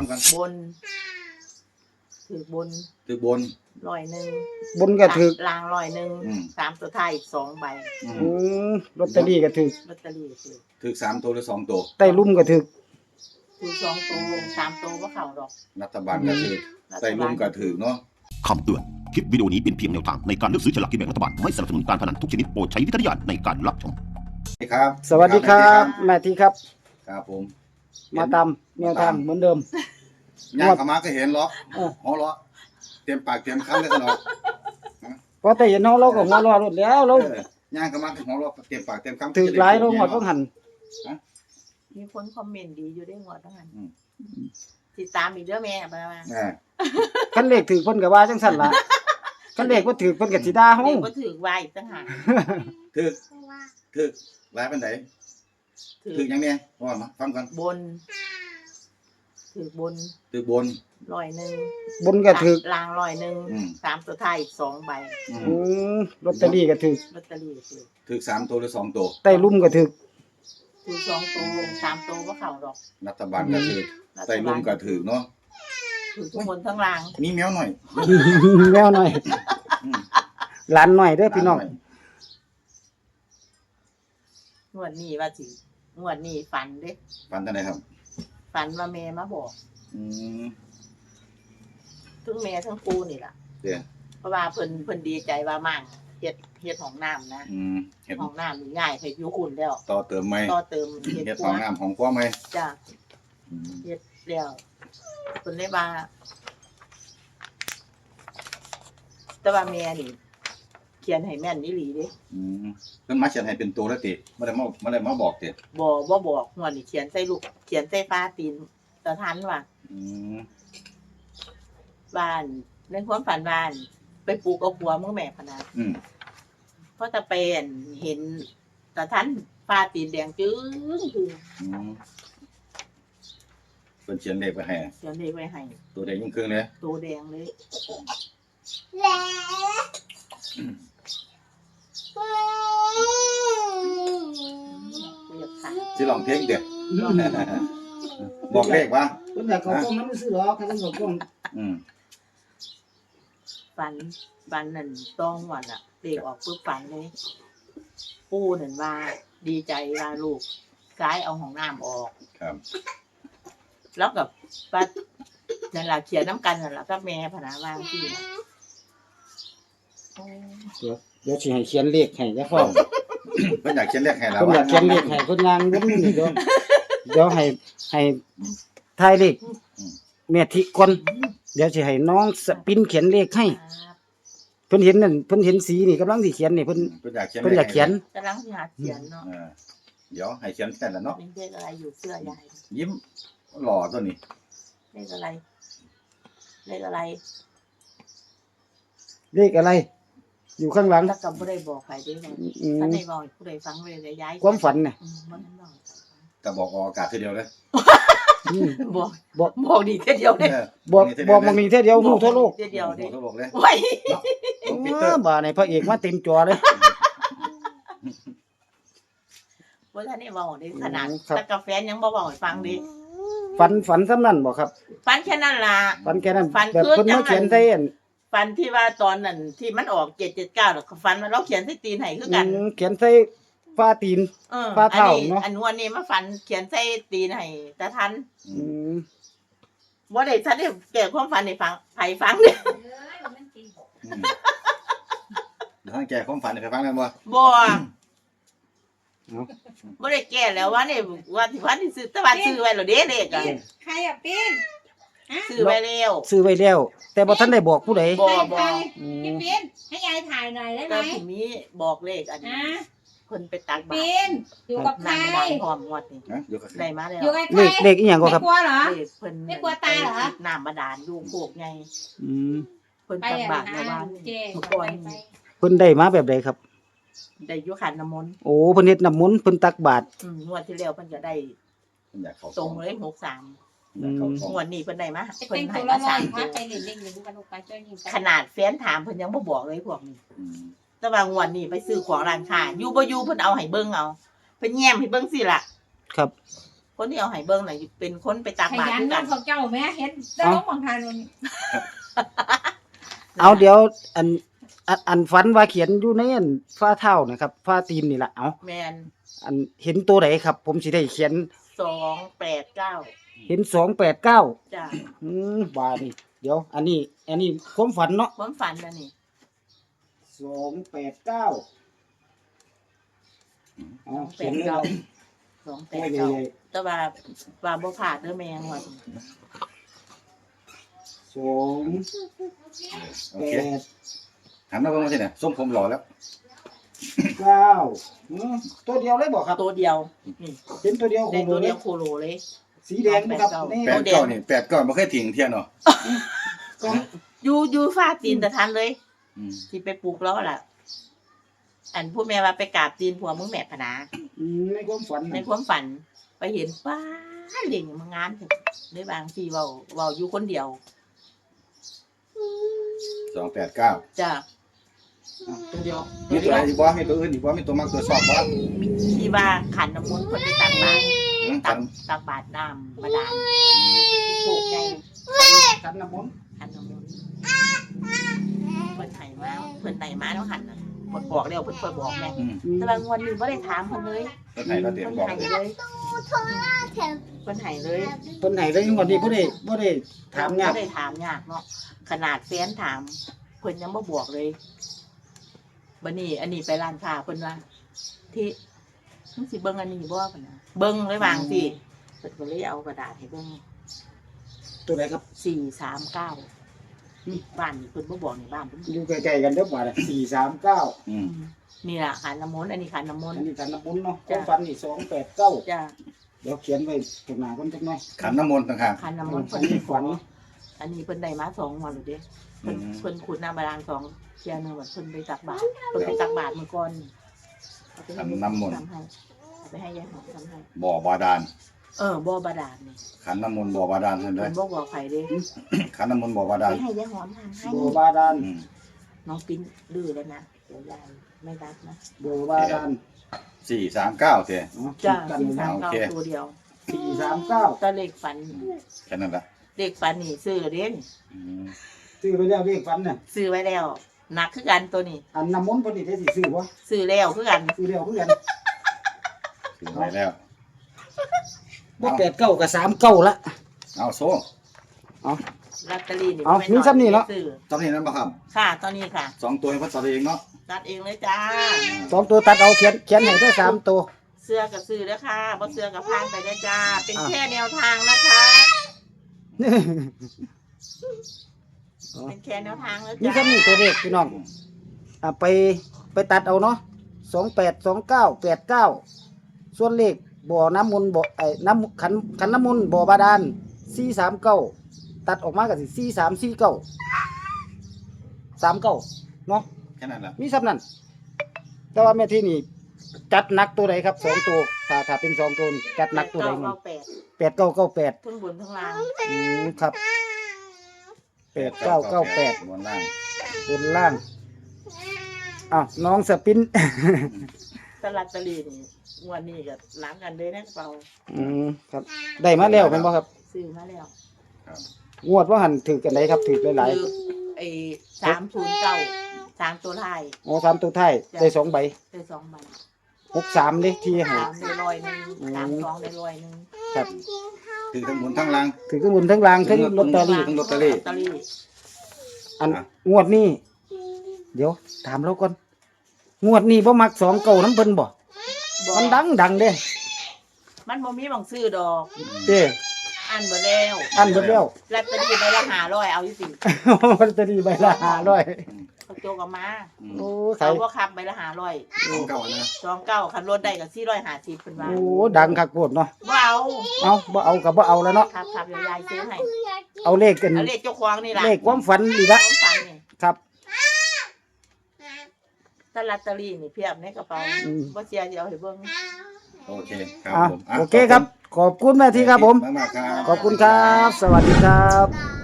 ฟังกันบนถือบน100 บนก็ถือลาง100 3ตัวท้ายอีก2ใบลอตเตอรี่ก็ถือลอตเตอรี่ถือ3ตัวหรือ2ตัวใต้ลุ่มก็ถือ 2ตัว3ตัวบ่เข้าดอกรัฐบาลก็ถือใต้ลุ่มก็ถือเนาะคำเตือนคลิปวิดีโอนี้เป็นเพียงแนวทางในการเลือกซื้อฉลากกินแบ่งรัฐบาลไม่สนับสนุนการพนันทุกชนิดโปรดใช้วิจารณญาณในการรับชมครับสวัสดีครับแม่ทีครับครับผมมาตามแนวทางเหมือนเดิมย่างเข้ามาก็เห็นล้อหัวล้อเตรียมปากเตรียมคำเลยตลอดพอแต่เห็นเราก็หัวเราะรถแล้วเราย่างเข้ามาก็หัวล้อเตรียมปากเตรียมคำถือหลายเราหมดต้องหันมีคนคอมเมนต์ดีอยู่ได้หมดต้องหันติดตามอีกเด้อแม่มาคันเลขถือเพิ่นก็ว่าจังซั่นล่ะคันเลขบ่ถือเพิ่นก็สิด่าเฮาเลขบ่ถือว่าอีกต่างหากถือหลายปานใดถือหยังเนี่ยว่ามาฟังกันบนถือบนบนก็ถือลาง100 3ตัวท้ายอีก2ใบลอตเตอรี่ก็ถือลอตเตอรี่ถือ3ตัวหรือ2ตัวใต้ลุ่มก็ถือ 2ตัว3ตัวบ่เข้าดอกรัฐบาลก็ถือใต้ลุ่มก็ถือเนาะถือทุกคนทั้งรางมีแมวหน่อยแมวหน่อยหลานหน่อยเด้อพี่น้องงวดนี้ว่าสิงวดนี้ฝันเด้ฝันจังได๋ครับฝันว่าแม่มาบอกทั้งแม่ทั้งปู่นี่ล่ะเพราะว่าเพิ่นดีใจว่ามั่งเฮ็ดห้องน้ำนะห้องน้ำนี่ง่ายให้อยู่อุ่นแล้วต่อเติมใหม่เฮ็ดห้องน้ำของครัวใหม่จ้ะเฮ็ดแล้วเพิ่นเลยว่าแต่ว่าแม่นี่เขียนให้แม่นอีหลีเด้เพิ่นมาเขียนให้เป็นตัวแล้วติบ่ได้มาบอกติบ่บอกงวดนี้เขียนใส่ลูกเขียนใส่ฟ้าตีนตะทันว่าบ้านในความฝันบ้านไปปลูกเอาผัวมึงแม่พะนะเพราะตะเป็นเห็นตะทันฟ้าตีนแดงจึ้งคือเพิ่นเขียนเลขไว้ให้ตัวแดงยิ่งครึ่งเลยตัวแดงเลยสิลองเพลงเด้อบอกเลขว่าเพิ่นอยากเข้ากล้องนำซื้อหรอกคันเข้ากล้องฝันนั่นต้องวันน่ะเลขออกปึ๊บฝันเลยปู่นั่นว่าดีใจว่าลูกซ้ายเอาห้องน้ำออกครับแล้วกับป้านั่นล่ะเขียนน้ำกันนั่นล่ะกับแม่พะนะว่าที่เดี๋ยวสิให้เขียนเลขให้จ้ะพ่อเพิ่นอยากเขียนเลขให้แล้วเพิ่นอยากเขียนเลขให้เพิ่นงานวนนี่เดี๋ยวให้ทายเลขแม่ทิก่อนเดี๋ยวสิให้น้องสปินเขียนเลขให้เพิ่นเห็นนั่นเพิ่นเห็นสีนี่กำลังสิเขียนนี่เพิ่นอยากเขียนกำลังสิหาเขียนเนาะเดี๋ยวให้เขียนแต่ละเนาะเป็นเลขอะไรอยู่เสื้อยายยิ้มหล่อตัวนี้เลขอะไรเลขอะไรอยู่ข้างหลังถ้าก็บ่ได้บอกใครได้ถ้าได้บอกผู้ใดฟังเลยย้ายความฝันน่ะก็บอกออกอากาศทีเดียวเลยบอกดีแค่เดียวเด้บอกมันมีแค่เดียวฮู้ทั่วโลกแค่เดียวเด้บอกเลยไว้บ่ในพระเอกมาเต็มจอเลยบ่ทันได้บอกได้ขนาดแต่กาแฟยังบ่บอกให้ฟังดิฝันซำนั้นบ่ครับฝันแค่นั้นล่ะฝันแค่นั้นแบบเพิ่นมาเขียนใส่ฝันที่ว่าตอนนั้นที่มันออก779แล้วก็ฝันว่าเราเขียนใส่ตีนให้คือกันเขียนใส่ฟ้าตีนฟ้าเท้าเนาะอันวันนี้มาฝันเขียนใส่ตีนให้ตาทันบ่ได้ทันได้แก้ความฝันให้ฟังไผฟังเด้เดี๋ยวให้แก้ความฝันให้ฟังกันบ่บ่ได้แก้แล้วว่านี่ว่าที่ซื้อแต่ว่าซื้อไว้แล้วเด้เลขอ่ะใครอ่ะปิ้นซื้อไว้แล้วแต่บ่ทันได้บอกผู้ใดบ่พี่ปิ้นให้ยายถ่ายหน่อยได้มั้ยก็สิมีบอกเลขอันนี้เพิ่นไปตักบาตรปิ้นอยู่กับใครพร้อมงวดนี่ได้มาแล้วเลขอีหยังก็ครับกลัวเหรอเพิ่นไม่กลัวตายเหรอน้ำบาดาลอยู่โคกไงเพิ่นตักบาตรในบ้านทุกคนเพิ่นได้มาแบบใดครับได้อยู่ขันน้ำมนต์โอ้เพิ่นเฮ็ดน้ำมนต์เพิ่นตักบาตรงวดที่แล้วเพิ่นก็ได้ตรงเลย63งวดนี้เพิ่นได้มาเพิ่นให้มา3ขนาดแฟนถามเพิ่นยังบ่บอกเลยพวกนี้แต่ว่างวดนี้ไปซื้อของร้านค้าอยู่บ่อยู่เพิ่นเอาให้เบิ่งเอาเพิ่นแย้มให้เบิ่งสิล่ะครับคนที่เอาให้เบิ่งน่ะเป็นคนไปตักขบาตรยันด้วยน้กัองนเขาเจ้าแม่เห็นได้ลงบางทานวันนี้เอาเดี๋ยวอันฝันว่าเขียนอยู่ในอันฝ้าเท้านะครับฝ้าตีนนี่ล่ะเอาแม่นอันเห็นตัวไหนครับ ผมสิได้เขียน 289 เห็น289 จ้ะบาดนี่เดี๋ยว อันนี้ความฝันเนาะความฝันน่ะนี่ 289อ๋อเขียนเลย 289แต่ว่าบ่พลาดเด้อแม่งว่าโอเคหันมาเบิ่งมาสิเนี่ยส้มผมหล่อแล้วตัวเดียวเลยบอกครับตัวเดียวนี่เป็นตัวเดียวได้ตัวเดียวโคโลเลยสีแดงนะครับนี่ 8 9บ่เคยทิ้งเที่ยเนาะอยู่ฟ้าตีนตะทันเลยอืมที่ไปปลูกแล้วล่ะ อันผู้แม่ว่าไปกราบตีนผัวมึงแม่พนาในความฝันในความฝันไปเห็นป้าเล่งมางานถึงได้บางทีเว้าอยู่คนเดียว 289 จ้ะตัวเดียวมีตัวไหนอีกบ่มีตัวอื่นอีกบ่มีตัวมักตัวชอบบ่ที่ว่าขันน้ำมนต์คนไปตักบาตรกันตักบาตรน้ำบาดาลปลูกไงกันน้ำมนต์ขันน้ำมนต์เพิ่นไห้มาเพิ่นไห้มาแล้วขันน่ะเพิ่นบอกแล้วเพิ่นเคยบอกแม่อืมแต่บางวันนี้บ่ได้ถามเพิ่นเลยตัวไหนเราเตรียมเพิ่นบอกไห้เลยเลยเพิ่นไห้เลยเพิ่นให้เลยงวดนี้บ่ได้ถามยากบ่ได้ถามยากเนาะขนาดแฟนถามเพิ่นยังบ่บอกเลยบัดนี้อันนี้ไปร้านค้าเพิ่นว่าที่มึงสิเบิ่งอันนี้บ่เพิ่นน่ะเบิ่งเลยวางสิเพิ่นก็เลยเอากระดาษให้เบิ่งตัวไหนครับ 439บ้านนี่เพิ่นบ่บอกในบ้านเพิ่นอยู่ใกล้ๆกันเด้อบ่ล่ะ439 อืมนี่ล่ะขันน้ำมนต์อันนี้ขันน้ำมนอัต์นนี้กันน้ำมนต์เนาะความฝันนี่289 จ้ะเดี๋ยวเขียนไว้ตรงหน้าก่อนจักหน่อยขันน้ำมนต์ต่างหากขันน้ำมนต์อัเพิ่นนนี้ฝันอันนี้เพิ่นได้มา2วันแล้วเด้เพิ่นขุดน้ำบาดาล2เที่ยหนึงว่าเพิ่นไปตักบาตรเพิ่นไปตักบาตรมื้อก่อนเอาไปให้ขันน้ำมนต์ทำให้เอาไปให้ยายหอมทำให้บ่อบาดาลบ่บาดาลนี่ขันน้ำมนต์บ่อบาดาลเห็นไหมเพิ่นบ่บอกไผเด้ขันน้ำมนต์บ่อบาดาลไปให้ยายหอมทำให้โบบาดาลอืมน้องปิ้นดื้อแล้วนะเดี๋ยวยายไม่รับนะโบบาดาล 439เท่จ้ะกันโอเค 439ตัวเดียว 439 ตะเลขฝันแค่นั้นละเลขฝันนี่ซื้อเด้นอืมซื้อไปแล้วเลขฝันน่ะซื้อไว้แล้วหนักคือกันตัวนี้อันน้ำมนต์เพิ่นนี่ได้สิซื้อบ่ซื้อแล้วคือกันซื้อแล้วคือกันถึงไหนแล้วบ่89กับ39ละเอาโซ่ลอตเตอรี่นี่เอาไม่มีซ้ำนี่เนาะซื้อตอนนี้นั้นบ่ครับค่ะตอนนี้ค่ะ 2ตัวให้พ่อตัดเองเนาะตัดเองเลยจ้า 2ตัวตัดเอาเขียนให้ได้3ตัวเสื้อกับซื้อแล้วค่ะบ่เสื้อกับพานไปได้จ้า เป็นอ่ะแค่แนวทางนะคะ เป็นแค่แนวทางแล้วนี่จ้าครับนี่ตัวเลขพี่น้องไปตัดเอาเนาะ282989ส่วนเลขบ่อน้ำมนต์บ่น้ำขันน้ำมนต์บ่อบาดาล439ตัดออกมาก็สิ4349 39เนาะแค่นั้นละมีซ้ำนั่นแต่ว่าแม่ที่นี่จัดหนักตัวใดครับ2ตัวถ้าเป็น2ตัวนี่จัดหนักตัวใดมัน 8998 8998 ทั้งบนทั้งล่างครับ8998 บนล่างบนล่างอ้าวน้องสปินตลาดตะลีนี่งวันนี้ก็ล้างกันเลยนะเปล่าครับ ได้มาแล้วเป็นบ่ครับซื้อมาแล้วครับงวดว่าหันถือกันได้ครับถือหลายคือไอ้309 3ตัวท้ายๆอ๋อ3ตัวท้ายได้2ใบได้2ใบ 63เด้ที่ให้ 3ได้100นึง32ได้100นึงครับถึงทั้งบนทั้งล่างถือทั้งบนทั้งล่างทั้งลอตเตอรี่ทั้งลอตเตอรี่อันงวดนี้ เดี๋ยวถามเราก่อนงวดนี้บ่มัก2เก่าน้ำเพิ่นบ่มันดังเด้มันบ่มีหม่องซื้อดอกเด้อันบ่แล้วอันเบิดแล้วลอตเตอรี่ใบละ500เอาอยู่สิลอตเตอรี่ใบละ500 เขาโจกเอามาโอ้เขาขายบ่คับใบละ500 ของเก่านะ 29คันรถได้ก็450เพิ่นว่าโอ้ดังคักโพดเนาะบ่เอาเอาบ่เอาก็บ่เอาแล้วเนาะครับเดี๋ยวยายซื้อให้เอาเลขกันเอาเลขเจ้าของนี่ล่ะเลขความฝันดีละความฝันนี่ครับถ้าลอตเตอรี่นี่เพียบในกระเป๋าอืมบ่เสียสิเอาให้เบิ่งโอเคครับอ่ะผมะโอเคครับ ขอบคุณแม่ที่ครับผมมากๆครับขอบคุณครับ สวัสดีครับ